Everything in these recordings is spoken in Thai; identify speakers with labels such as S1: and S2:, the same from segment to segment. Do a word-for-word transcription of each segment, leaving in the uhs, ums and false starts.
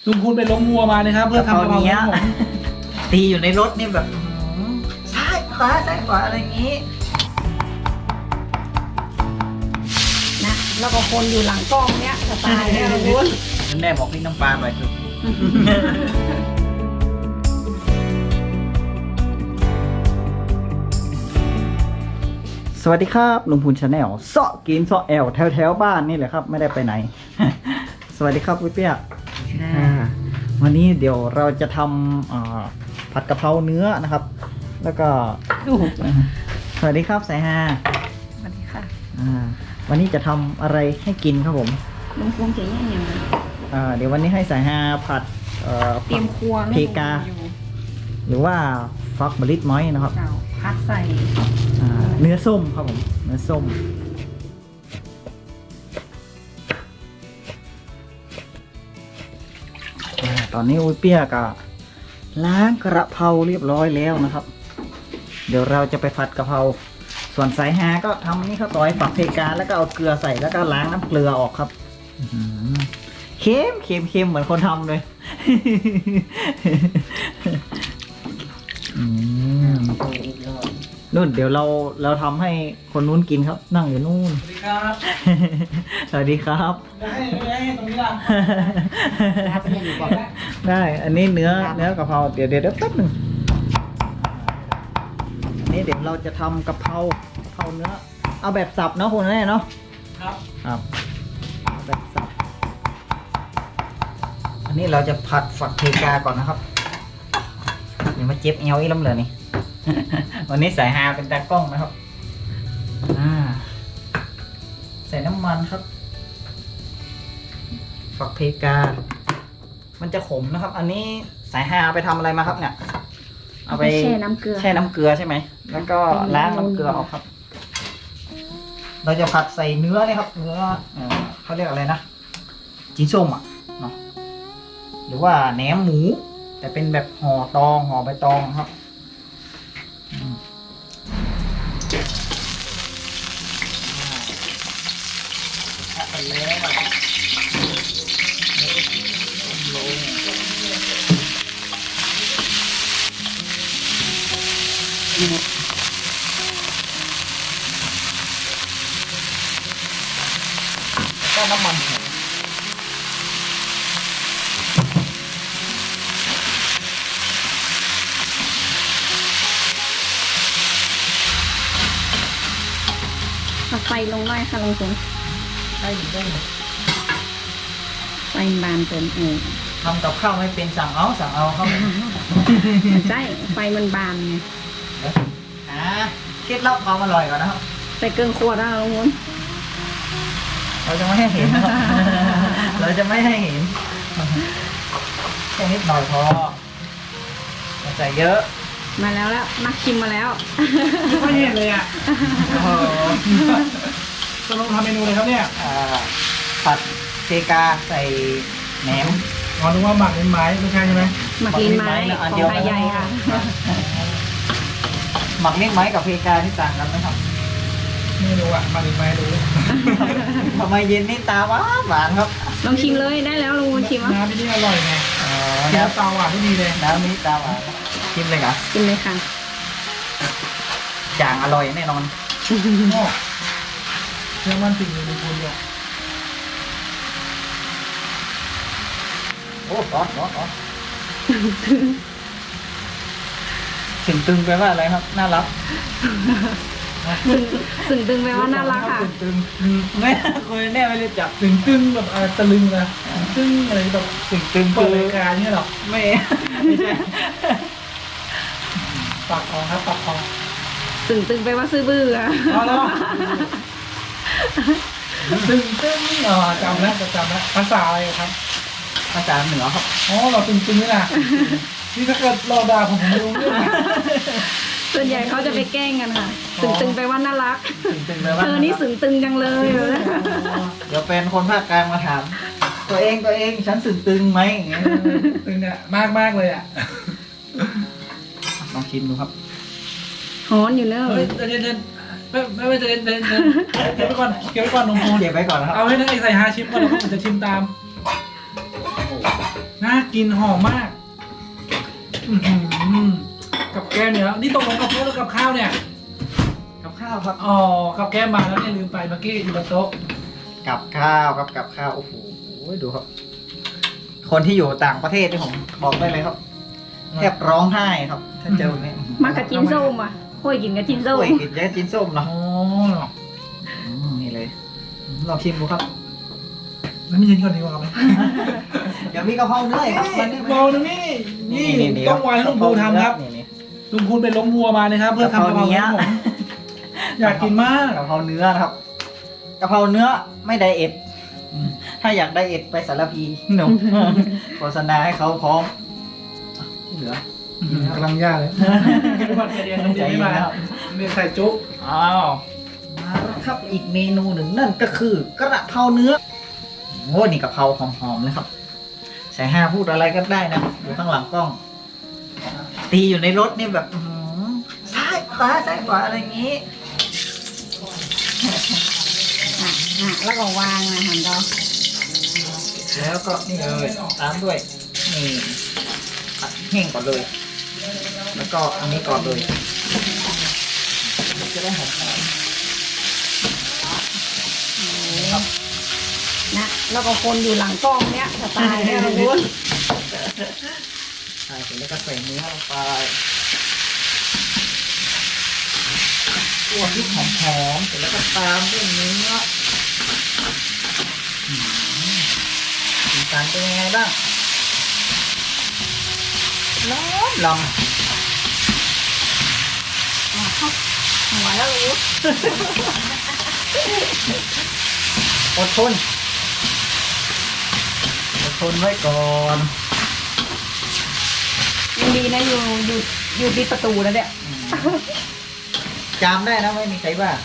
S1: ลุงพูนไปล้มวัวมานะครับเพื่อทำกะเพราเนี้ย
S2: ตีอยู่ในรถนี่แบบซ้ายขวาซ้ายขวาอะไรอย่างนี้
S3: นะแล้วก็คนอยู่หลังกล้องเนี้ยสไตล์เนี่ยลุงพูน
S2: แม่บอกพี่น้ำปลาหน่อยคือสวัสดีครับลุงพูนชาแนลเซาะกินเซาะแอลแถวแถวบ้านนี่แหละครับไม่ได้ไปไหน สวัสดีครับพี่เปียกวันนี้เดี๋ยวเราจะทำผัดกะเพราเนื้อนะครับ แล้วก็สวัสดีครับสายฮา
S3: สวัสดีค่ะ
S2: วันนี้จะทำอะไรให้กินครับผม
S3: ลุงพูนจะแย่ยังไง
S2: เดี๋ยววันนี้ให้สายฮาผัด
S3: เตรียมครัว
S2: เพกาหรือว่าฟักมะลิดม้อยนะครับ
S3: เจ้าพัดใส่
S2: เนื้อส้มครับผมเนื้อส้มตอนนี้อุ้ยเปียกอะล้างกระเพราเรียบร้อยแล้วนะครับ เดี๋ยวเราจะไปผัดกะเพราส่วนสายฮาก็ทำนี่ข้าวซอยฝักเพกาแล้วก็เอาเกลือใส่แล้วก็ล้างน้ำเกลือออกครับเค็มเค็มเค็มเหมือนคนทำเลยนู่นเดี๋ยวเราเราทำให้คนนู้นกินครับนั่งอยู่นู่น
S1: สวัสดีครับ
S2: สวัสดีครับ
S1: ได้ได้ตรงนี้ล่ะ
S2: ได้อันนี้เนื้อเนื้อกะเพราเดี๋ยวเดี๋ยวแป๊บหนึ่งอันนี้เดี๋ยวเราจะทำกะเพรากะเพราเนื้อเอาแบบสับเนาะคุณแม่เนาะ
S1: ครับ
S2: ครับเอาแบบสับอันนี้เราจะผัดฝักเพกาก่อนนะครับเดี๋ยวมาเจ็บเอวอีกแล้วเหรอนี่ วันนี้สายฮาเป็นตากล้องนะครับอ่าใส่น้ำมันครับฝักเพกามันจะขมนะครับ อันนี้สายฮาเอาไปทำอะไรมาครับเนี่ยเอาไป
S3: แช่น้ำเกลือ
S2: แช่น้ำเกลือใช่ไหมแล้วก็ล้างน้ำเกลือออกครับ เราจะผัดใส่เนื้อเนี่ยครับเนื้อเอ่อเขาเรียกอะไรนะจีนส้มอ่ะเนาะหรือว่าแหนมหมู แต่เป็นแบบห่อตองห่อใบตองครับไปแล้วก็น้ำมัน
S3: เอาไฟลงหน่อยค่ะลุงพูน
S2: ได้อยู่ได้อยู่
S3: ไฟบานเกินเอง
S2: ทำกับข้าวไม่เป็นสั่งเอาสั่งเอาครับ
S3: ใช่ไฟมันบานไง
S2: อ่าเคล็ดลับความอร่อยก่อนนะครับ
S3: ใส่เกินขวดนะลุงพูน
S2: เราจะไม่ให้เห็นนะครับ เราจะไม่ให้เห็นแค่นิดหน่อยพออย่าใส่เยอะ
S3: มาแล้วแล้วนักชิมมาแล้ว
S1: ไม่เห็นเลยอ่ะ
S2: โอ้โห
S1: จะลงทำเมนูเลยครับเนี่ย
S2: อ่าผัดเพกาใส่แหนม
S1: อ๋อนึกว่าหมักเป็นไม้ไม่ใช่ใช่ไหม
S3: หมักลิ้นไม้ของไทยใหญ่ค่ะ
S2: หมักเลี้ยงไม้กับเพกาที่ต่างกันไหมครับ
S1: ไม่รู้อ่ะหมักเป็นไม้รู้
S2: ทำไมเย็นนี่ตาหวานหวานครับ
S3: ลองชิมเลยได้แล้วลุงพูนชิมอ่ะ
S1: น้ำที่นี่อร่อยไง
S2: อ๋อ
S1: เนื้อ
S2: น้ำ
S1: เตาหวานที่ดีเลย
S2: น้ำนี้ตาหวานชิมเลยครับ
S3: กินเลยค่ะ
S2: จางอร่อยแน่นอน
S1: โอ้เชื่อมั่นจริงเลยลุงพูนเนี่ย
S2: โอ้ร้อนร้อนร้อนถึงตึงไปว่าอะไรครับ น่ารัก
S3: สึ่งสึ่งตึงไปว่าน่ารักค่ะ
S1: ตึง
S2: ไม่คุยแน่ไม่รู้จัก
S1: ตึงตึงแบบอะไรตะลึงนะตึงอะไรแบบ
S2: ถึงตึง
S1: เปิ
S2: คื
S1: ด
S2: อ
S1: รายการเนี่ยหรอ
S2: ไม่ไม่ใช่
S1: ปากคอครับปากคอ
S3: สึ่งตึงไปว่าซื้อบื้ออะ
S1: เอาแล้วตึงตึงอ๋อจำแล้วจำแล้วภาษาอะไรครับ
S2: ภาษาเหนือครับ
S1: อ๋อเราตึงตึงนี่นะนี่ถ้าเกิดเราด่าผมผมไม่รู้เรื่องนะ
S3: ส่วนใหญ่เขาจะไปแกล้งกันค่ะ สึ่งตึงไปว่าน่ารัก
S2: ถึงตึงไปว่า
S3: เธอนี่สึ่งตึงจังเลยเหรอ
S2: เดี๋ยวเป็นคนภาคกลางมาถาม ตัวเองตัวเองฉันสึงตึงไหมอย่างเงี้ย
S1: ตึงเนี่ยมากมากเลยอ่ะ
S2: ลองชิมดูครับ
S3: ฮอนอยู่เนอะ
S1: เฮ้ยเดินเดินไม่ไม่ไม่เดินเดินเดินเก็บไว้ก่อนเก็บไว้ก่อนน้องพูน
S2: เก็บไว้ก่อนนะครับ
S1: เอาให้นักไอ้ใส่ฮาชิมก่อนแล้วผมจะชิมตามน่าลิ่นหอมมากอื้อหือกับแก้มเนี่ยนี่ตกลงกับพวกแล้วกับข้าวเนี่ย
S2: กับข้าวครับ
S1: อ๋อกับแก้มมาแล้วเนี่ยลืมไปเมื่อกี้อยู่บนโต๊ะ
S2: กับข้าวครับกับข้าวโอ้โหดูครับ คนที่อยู่ต่างประเทศที่ผมบอกได้เลยครับแทบร้องไห้ครับ ถ้าเจอเนี่ย
S3: มากับจิ้นส้มอ่ะค่อยกินกับจิ้นส้ม
S2: โอ้ยกินแย่กินส้มเนาะ
S1: อ๋อ
S2: อืมนี่เลยลองชิมดูครับ
S1: แล้วไม่ยินก่อนดีกว่าไหม
S2: เดี๋ยวมีกะเพราเนื้ออีกครับมันนี่
S1: บอลนะนี่นี่ต้องวานให้ลุงภูทำครับ
S2: นี่นี่
S1: ลุงพูนเป็นล้มวัวมานะครับ เพื่อทำกะเพราให้ผมอยากกินมาก
S2: กะเพราเนื้อนะครับกะเพราเนื้อไม่ไดเอทถ้าอยากไดเอทไปสารพีหนุ่มโฆษณาให้เขาพร้อมเหลือก
S1: ำลังยากเลยกินก่อนใจเย็นน้ำเดียวไม่มาเรียนใส่จุ๊บ
S2: อ้าวมาแล้วครับอีกเมนูหนึ่งนั่นก็คือกระเพราเนื้อโอ้นี่กะเพราหอมๆเลยครับใส่ห้าพูดอะไรก็ได้นะอยู่ข้างหลังกล้อง ตีอยู่ในรถนี่แบบอื้อหือซ้ายขวาซ้ายขวาอะไรอย่างนี้
S3: อ่ะอ่ะแล้วก็วางนะหันดอก
S2: แล้วก็นี่เลยตามด้วยนี่ผัดแห้งก่อนเลย แล้วก็อันนี้ก่อนเลยจะได้หอม
S3: นะแล้วก็คนอยู่หลังกล้องเนี้ยสไตล์เนี่ยเรารู้
S2: ๆใช่เสร็จแล้วก็ใส่เนื้อลงไปตัวพริกหอมๆเสร็จแล้วก็ตามด้วยเนื้ออืมสีสันเป็นยังไงบ้างล้อมลำ
S3: อ่ะเข้าหัวแล้วรู้
S2: อดทนอดทนไว้ก่อน
S3: ยังดีนะอยู่อยู่อยู่ที่ประตูแล้วเนี่ย
S2: จามได้นะไม่มีใครว่า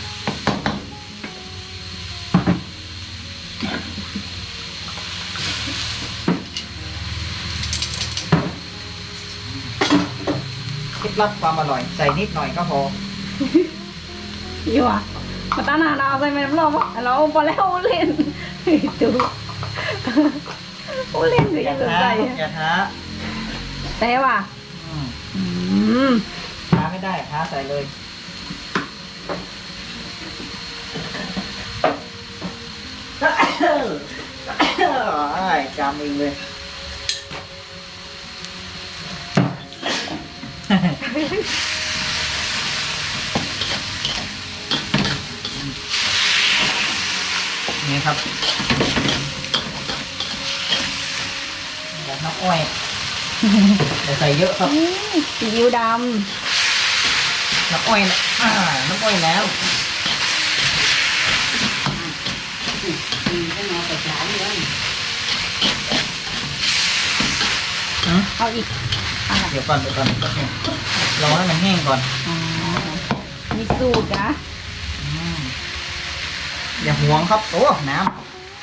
S2: เคล็ดลับความอร่อยใส่นิดหน่อยก็พอ
S3: อยู่อ่ะมาตั้งนานเอาใส่แม่น้ำร้อนวะเราพอแล้วเล่นดูโอ้เล่นหรือยังสนใจ
S2: อย่าท้า
S3: แต่ว่ะ
S2: อืม
S3: อืม
S2: ท้าไม่ได้ท้าใส่เลยอ้ายจามเองเลยนี่ครับแบบน้ำอ้อยแต่ใส่เยอะครับ
S3: อืมซีอิ๊วด
S2: น้ำอ้อยนะอ่าน้ำอ้อยแล้ว
S3: ำเอาอีกอะไร
S2: เดี๋ยวก่อนเดี๋ยวก่อนรอให้มันแห้งก่อน
S3: อ๋อมีสูตรนะ
S2: อืมอย่าห่วงครับโอ้น้ำ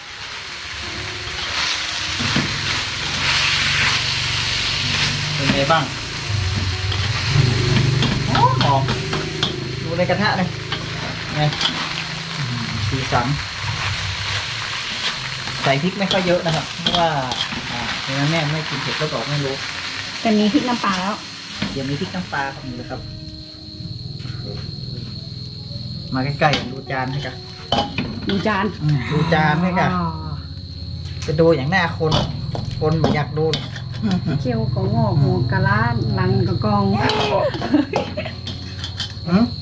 S2: เป็นไงบ้างหอมหอมดูในกระทะเลยไงอืมสีสันใส่พริกไม่ค่อยเยอะนะครับเพราะว่าอ่าเพราะฉะนั้นแม่ไม่กินเผ็ดก็บอกไม่รู้
S3: แต่มีพริกน้ำปลาแล้ว
S2: เดี๋ยวมีพริกน้ำปลาครับนี่เลยครับ มาใกล้ๆดูจานให้กัน
S3: ดูจาน
S2: อืมดูจานให้กันจะดูอย่างหน้าคน คนไม่อยากดูหรอก
S3: เคี่ยวก็งอกหัวกะล้านหลังกะกอง
S2: อืม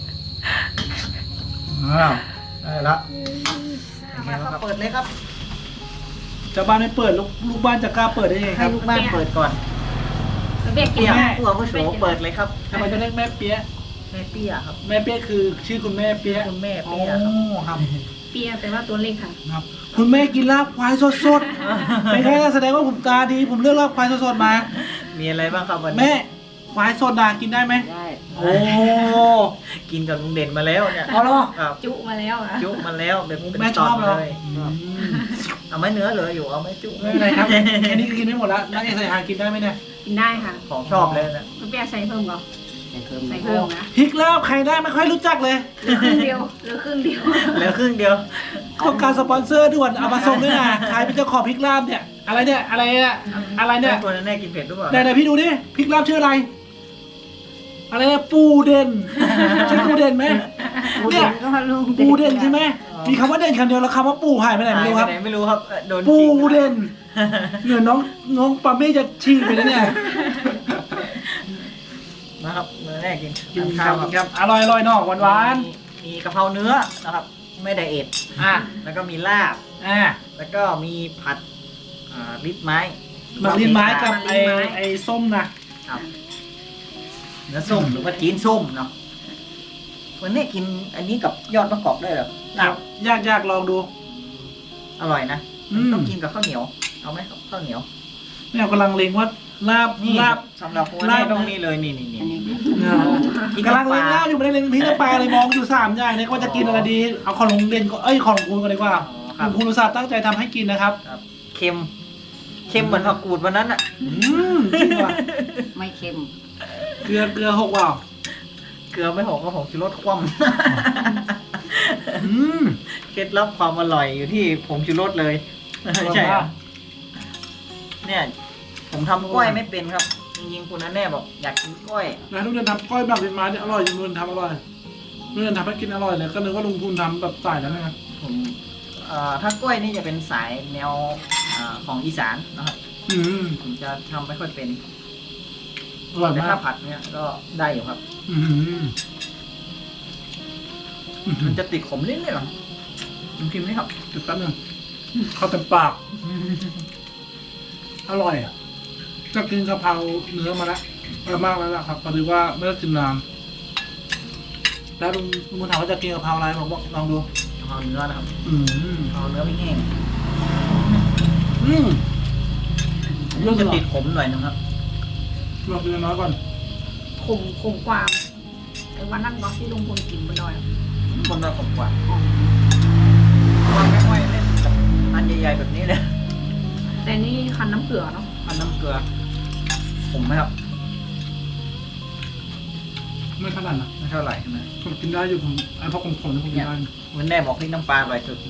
S2: อ้าวได้ละมาครับเปิดเลยครับ
S1: เจ้าบ้านไม่เปิดลูกลูกบ้านจะกล้าเปิดได้ยังไงค
S2: ให้
S1: รับ
S2: ลูกบ้านเปิดก่อน
S3: เบียกกิน
S2: เปีย
S3: ไหม
S2: ผู้อาวุโสเปิดเลยครับ
S1: ทำไมต้องเรียกแม่เปี๊ยะ
S2: แม่เปียครับ
S1: แม่เปี๊ยะคือชื่อคุณแม่เปี๊ยะ
S2: คุณแม่
S1: อ๋อ
S2: เปียครับ
S1: ครับ
S3: เปียแต่ว่าตัวเล็กค่ะ
S1: ครับ คุณแม่กินลาบควายสดๆไม่ใช่แสดงว่าผมตาดี ผมเลือกลาบควายสดๆมา
S2: มีอะไรบ้างครับวันนี้
S1: แม่ควายสดดากินได้ไหม
S2: ได้
S1: โอ้
S2: กินกับลุงเด่นมาแล้วเนี่ย
S1: เอาเหรอ
S2: ครับ
S3: จุมาแล้วอ่ะ
S2: จุมาแล้วเป็นเป็น
S1: แม่ชอบ
S2: ต
S1: เหรอ
S2: เลย
S1: อืม
S2: เอาไหม่เนื้อเหลืออยู่เอาไหม่จุ
S1: ไม่เป็นไรครับแค่นี้ก็กินไม่หมดแล้วนักเอกใส่หากินได้ไหมเนี่ย
S3: กินได้ค่ะ
S2: ของชอบเลยนะ
S3: เปียใส่เพิ่มก่อน
S2: ใส่เพิ่ม
S3: ใส่เพิ่มนะ
S1: พริกลาบใครได้ไม่ค่อยรู้จักเลย
S3: เหลือครึ่งเดียวเหลือครึ่งเดียว
S2: เหลือครึ่งเดียว
S1: ต้องการสปอนเซอร์ด่วนเอามาส่งด้วยนะใครเป็นเจ้าของพริกลาบเนี่ยอะไรเนี่ยอะไรเนี่ยอะไรเนี่ย
S2: ตัวแน่กินเผ็ดหรือเปล่า
S1: ไหนไหนพี่ดูดิพริกลาบชื่ออะไร อะไรเนี่ยปูเด่นใช่ปูเด่นไหมเนี่ย
S3: ก็ลุง
S1: ปูเด่นใช่ไหมมีคำว่าเด่นคำเดียวแล้วคำว่าปูหายไปไหนไม่รู้ครับ
S2: หายปหนไม่รู้ครับเอ่อโดน
S1: ปู
S2: ทิ้งครับ
S1: เด่นเหนือน้องน้องปาเม่จะฉีกไปแล้วเนี่ย
S2: นะครับมื้อแรกกิน
S1: กิน
S2: ข้า
S1: ข้าว ว
S2: ครับ
S1: ครับอร่อยอร่อยเนาะหวานหวาน
S2: มีมีกะเพราเนื้อนะครับ ไม่ไดเอท
S1: ๆอ่ะ
S2: แล้วก็มีลาบ
S1: อ่ะ
S2: แล้วก็มีผัดอ่าลิปไม้
S1: หมักลิ้นไม้กับไอ้ไอ้ส้มนะครับ
S2: เนื้อส้มหรือว่าจีนส้มเนาะวันนี้กินอันนี้กับยอดมะกอกได้เหรอ
S1: ครับยากยากลองดู
S2: อร่อยนะ
S1: อืม
S2: ต้องกินกับข้าวเหนียว เอาไหมครับข้าวเหนียว
S1: เนี่ยกำลังเลงว่าลาบ
S2: นี่
S1: ลาบ
S2: สำหรับวัน
S1: ลา
S2: นี้
S1: บ
S2: ต้องนี่เลยนี่นี่นี่
S1: เนี่ยกำลังเลงลาบอยู่ไม่ได้เลงพริกน้ำปลาเลยมองอยู่สามอย่างเนี่ยว่าจะกินอะไรดีเอาของลุงเด่นก็เอ้ยของลุงคุณกันดีกว่า
S2: อ๋อครับ
S1: ลุงคุณอุตส่าห์ตั้งใจทำให้กินนะครับ
S2: ครับเค็มเค็มเหมือนผักกูดวันนั้นอะ
S1: อืมจริงว่ะ
S3: ไม่เค็ม
S1: เกลือเกลือหกว่าว
S2: เกลือไม่หกก็ผงชูรสคว่
S1: อืม
S2: ำ เคล็ดลับความอร่อยอยู่ที่ผงชูรสเลย ใช่ครับเนี่ยผมทำกล้วยไม่เป็นครับ จริงๆคุณนั่นแน่บอกอยากกินกล้วย
S1: นะลุงเด่นทำก้อยแบบเป็นไม้เนี่ยอร่อยจริงลุงเด่นทำอร่อยลุงเด่นทำให้กินอร่อยเลยก็นึกว่าลุงคุณทำแบบสายแล้วนะครับ
S2: ผมเอ่อถ้ากล้วยนี่จะเป็นสายแนวอ่าของอีสานนะครับ
S1: อืม
S2: ผมจะทำไม่ค่อยเป็น
S1: อร่อย
S2: แต่
S1: มา
S2: ถ้าก ผัดเนี่ยก็ได้อยู่ครับ
S1: อืม
S2: มันจะติดขมนิดหน่อยหรอผมกินไหมครับ
S1: จุดแป๊บนึงเข้าเต็มปาก อร่อยอ่ะก็กินกะเพราเนื้อมาแล้วอร่อยมากแล้วล่ะครับพอดีว่าไม่ได้กินนานแล้วลุงลุงถามว่าจะกินกะเพราอะไรผมบอกลองดู
S2: เอาเนื้อนะครับ
S1: อืม
S2: เอาเนื้อไม่แห้ง
S1: อืมเรื่อง
S2: จะ
S1: จะ
S2: ติ
S1: ติ
S2: ด
S1: ด
S2: ขมหน่อยนึงครับ
S1: ลองกินน้อยก่อน
S3: ขมขมกว่าไอ้วันนั้นก็ที่ลุงพลกินบนดอย
S2: คนเราขมกว่าวันไม่ค่อยเล่นกับอันใหญ่ๆแบบนี้เลย
S3: แต่นี่คันน้ำเกลือเนาะ
S2: อันน้ำเกลือขมไหมครับ
S1: ไม่ขนาดนะ
S2: ไม่เท่าไหร่ใช่ไหม
S1: ผมกินได้อยู่ผมไอ้พวกขมๆนี่ผมกินได้
S2: วันแน่บอกพี่น้ำปลาอร่อยสุด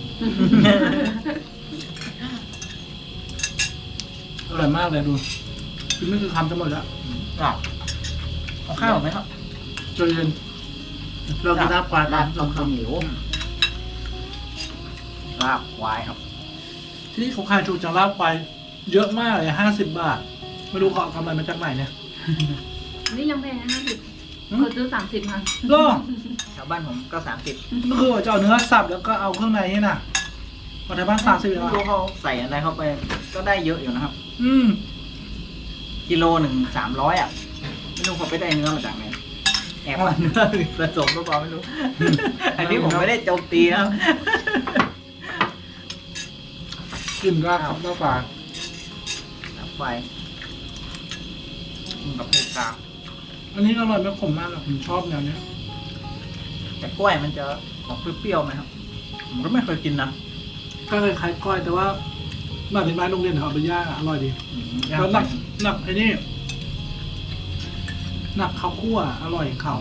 S1: อร่อยมากเลยดูกินไม่คือคำจะหมดแล้ว
S2: อ่ะเอาข้าวไหมครับ
S1: จนเย็นเรากินน้ำปลา
S3: ลา
S1: ตาม
S3: บลงข้าวเหนียว
S2: ลาบควายครับ
S1: ที่เขาขายถูกจังลาบไปเยอะมากเลยห้าสิบบาท ไม่รู้เขาเอากำไรมาจากไหนเนี่ย
S3: นี่ยังแพงนะห้าสิบ
S1: อืม
S3: เคยซื้อสามสิบค่ะ
S1: ก็
S2: แถวบ้านผมก็สามสิบ
S1: ก็คือว่าจะเอาเนื้อสับแล้วก็เอาเครื่องในนี่น่ะมาทำบ้านสามสิบ
S2: ไม่
S1: แล้ว
S2: รู้เขาใส่อะไรเข้าไป ก็ได้เยอะอยู่นะครับ
S1: อืม
S2: กิโลหนึ่งสามร้อยอ่ะ ไม่รู้เขาไปได้เนื้อมาจากไหน แอบเอาเนื้อผสมหรือเปล่าไม่รู้ อันนี้ผมไม่ได้โจมตีนะครับ
S1: กินก็ครับน้ำปลา
S2: ลาบควายกินกับเพกา
S1: อันนี้อร่อยไม่ขมมากอะผมชอบแนวเนี้ย
S2: แต่กล้วยมันจะออกเปรี้ยวๆไหมครับ ผมก็ไม่เคยกินนะ
S1: ก็คล้ายๆก้อยแต่ว่าแบบเป็นไม้โรงเรียนเอาไปย่างอะอร่อยดี
S2: อืม
S1: แล้วหนักหนักไอ้นี่หนักข้าวคั่วอร่อยเขา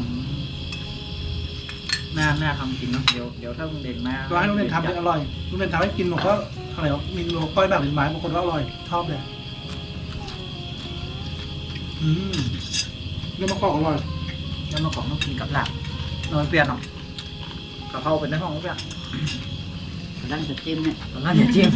S2: น่าน่าทำกินเนาะเดี๋ยวเดี๋ยวถ้าลุงเด่นมา
S1: ร้านโรงเรียนทำเนี่ยอร่อยโรงเรียนทำให้กินผมก็อะไรวะมีโลก้อยแบบเป็นไม้บางคนก็อร่อยชอบเลยอืมเนื้อมะกอกอร่อย
S2: แล้วมาของต้องกินกับลาบนอนเปรี้ยวเนาะกะเพราเป็นในห้องเปรี้ยว
S3: ร้านจะจิ้มเนี่ย
S2: ตอนนั้นอย่าจิ้ม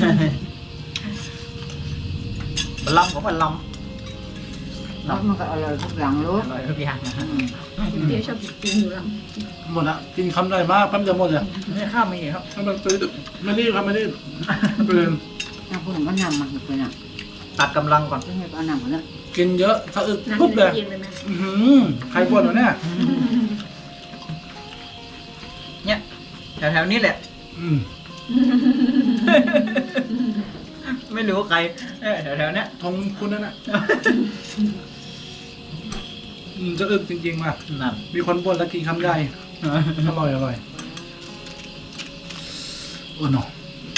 S2: บะลำของบะล
S3: แล้วมันก็อร่อยทุกอย่างเล
S2: ำ
S3: ย
S2: อร่อยทุกอย่างนะฮะ
S3: เดี๋ยวชอบกินอยู่แล้ว
S1: หมดละกินคำใหญ่มากแป๊บเดียวหมดเลย
S2: นี่ข้าวมีครับ
S1: ถ้ามันซื้อไม่รีบครับไม่รีบไม่เป็นไร
S3: น้ำผึ้งก็นำมาเป็นอ่ะ
S2: ตัดกำลังก่อน
S3: ไม่ให้ก็นำมาแล้ว
S1: กินเยอะสะอึกปุ๊บเลยอื้อหือใครบ่นวะเนี่ย
S2: เนี่ยแถวๆนี้แหละ
S1: อืม
S2: ไม่รู้ใครเออแถวๆเนี้ย
S1: ทงคุณนั่นน่ะอืมสะอึกจริงๆว่ะ
S2: นั่น
S1: มีคนบ่นแล้วกินคำใหญ่อร่อยอร่อยโอ้หนอ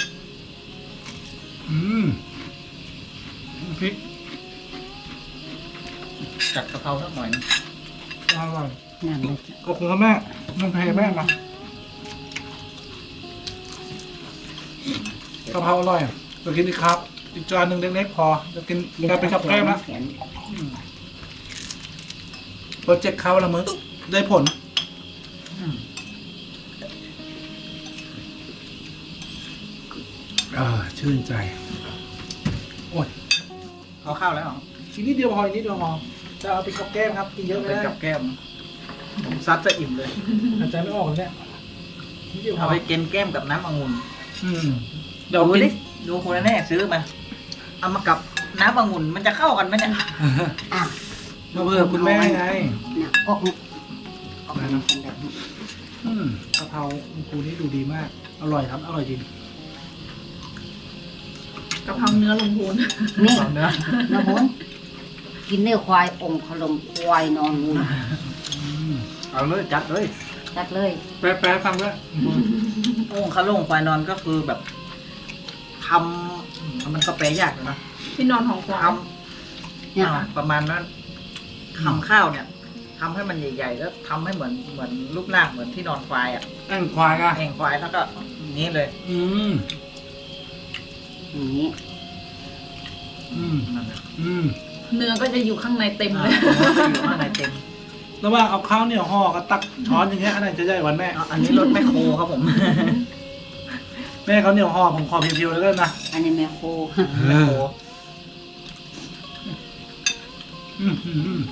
S1: อืมพริก
S2: จัดกะเพราสักหน่อยนึง
S1: อร่อย
S3: นั่น
S1: ก็คงกับแม่น้องเพแม่มากะเพราอร่อยอ่ะเรากินดีครับอีกจานหนึ่งเล็กๆพอจะกินกลายเป็นกับแก้มละโปรเจกต์เขาละมึงได้ผลอ่าชื่นใจโอ้ย
S2: เอาข้าวแล้วเหรอ
S1: อีกนิดเดียวพออีกนิดเดียวพอจะเอาเป็นกับแก้มครับกินเยอะไม่
S2: เป็น
S1: ได้
S2: กับแก้มผมซัดจะอิ่มเลย
S1: หายใจไม่ออกเลยเนี่ยนิดเดียวพ
S2: เอา
S1: อ
S2: ไปกินแก้มกับน้ำองุ่น
S1: อืมเดี๋ยว
S2: ดู
S1: กิน
S2: ดิดูคุณแน่ซื้อมาเอามากับน้ำองุ่นมันจะเข้ากันไหมเนี่ย
S3: อ่ะ
S1: มาเพื่อคุณแม่ไง
S3: น่ะก็คงก็คงเป็นแบบนี้
S1: อืมกะเพราคุณครูนี่ดูดีมาก อร่อยครับ อร่อยจริง
S4: กะเพราเนื้อลงพูน
S3: นี่
S2: เอาเนื้อ
S3: นะพุนกินเนื้อควายองค์ขลมควายนอนงู
S1: อืม
S2: เอาเลยจัดเลย
S3: จัดเลย
S1: แปลแปลฟังด้วย
S2: โอ่งคาโล่งควายนอนก็คือแบบทำมันก็แปลยากเลยนะ
S4: ที่นอนของควา
S2: ท
S4: ย
S2: ำ
S3: เนี่ย
S2: อ่าประมาณนั้นทำข้าวเนี่ยทำให้มันใหญ่ๆแล้วทำให้เหมือนเหมือนรูปร่างเหมือนที่นอนควายอ่ะ
S1: แอ่งควายอ่ะ
S2: แห่งควายแล้วก็อย่างนี้เลย
S1: อืม
S3: อย่างนี้
S1: อืม
S2: นั่นนะ
S1: อืม
S4: เนื้อก็จะอยู่ข้างในเต็ม
S2: อ่า
S4: เลย
S2: อยู่ข้างในเต็ม
S1: ระหว่างเอาข้าวเหนียวห่อกับตักช้อนอย่างเงี้ยอันไหนจะใหญ่กวันแม่
S2: อ่ะอันนี้รถแมคโครครับผม
S1: แม่เขาเหนียวห่อผมขอเพียวๆแล้วกันนะ
S3: อันนี้แม่โค
S2: แมคโคร
S1: อืมอืมอืม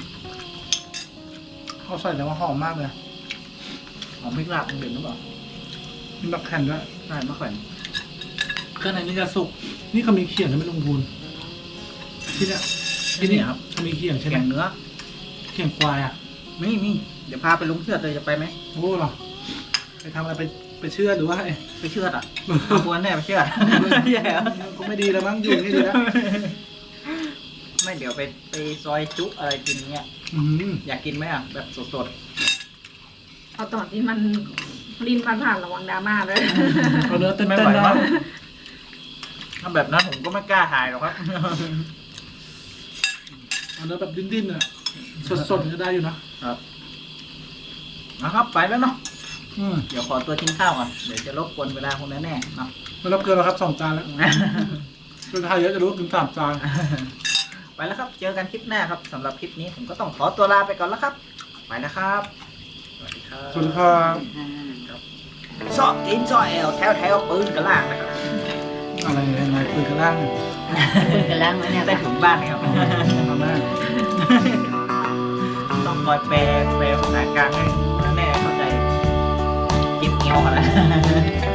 S1: เขาใส่แล้วว่าหอมมากเลย
S2: หอมพริกลาบมันเด่นหรือเปล่า
S1: มีมะแขวนด้วย
S2: ใช่มะแขวน
S1: เครื่องในนี้จะสุก นี่เขามีเขียงนะไม่ลงทุนที่เนี้ยที่นี่ครับเขามีเขียงใช่ไหม
S2: แกงเนื้อ
S1: เขียงควายอ่ะ
S2: มีมีเดี๋ยวพาไปลุงเชือดเลยจะไปไหม
S1: โอ้เหรอไปทำอะไรไปไปเชื่อหรือว่าไง
S2: ไปเชือดอ่ะเอาบวนแน่ไปเชือดแย่แล้ว
S1: ก็ไม่ดีแล้วมั้งอยู่นี่ดีแล้ว
S2: ไม่เดี๋ยวไปไปซอยจุอะไรกินเงี้ย
S1: อืม
S2: อยากกินไหมอ่ะแบบสด
S4: เอาตอนที่มันรินผ่านผ่านๆระวังดราม่าเลย
S1: เอาเนื้อ
S2: ๆ
S1: เต้น
S2: ไม่
S1: ๆ
S2: ไหว
S1: นะ
S2: มั้งถ้าแบบนั้นผมก็ไม่กล้าถ่ายหรอกครับ
S1: เอาเนื้อแบบดิ้นๆอ่ะสดๆก็ได้อยู่นะครับ
S2: นะครับไปแล้วเนาะ
S1: อืม
S2: เดี๋ยวขอตัวกินข้าวก่อนเดี๋ยวจะรบกวนเวลาคุณแน่ๆเนาะ
S1: ไม่รับเกินแล้วครับสองจานแล้วเป็นไทยเยอะจะรู้ว่ากินสามจาน
S2: ไปแล้วครับเจอกันคลิปหน้าครับสำหรับคลิปนี้ผมก็ต้องขอตัวลาไปก่อนแล้วครับไปนะครับสวัสดีครับ
S1: สวัสดีครับ
S3: อ่า
S2: ซอกกินซอกแอลแถวแถวปืนกระล่างนะครับ
S1: อะไรยังไงคุยกันล่าง
S3: คุยกันแล้วไหมเนี่ย
S2: ได้ถึงบ้านไหมครับ
S1: มาแม่
S2: ต้องคอยแปลแปลภาษากลางให้แน่เข้าใจจิ๊บเงี้ยวกันแล้ว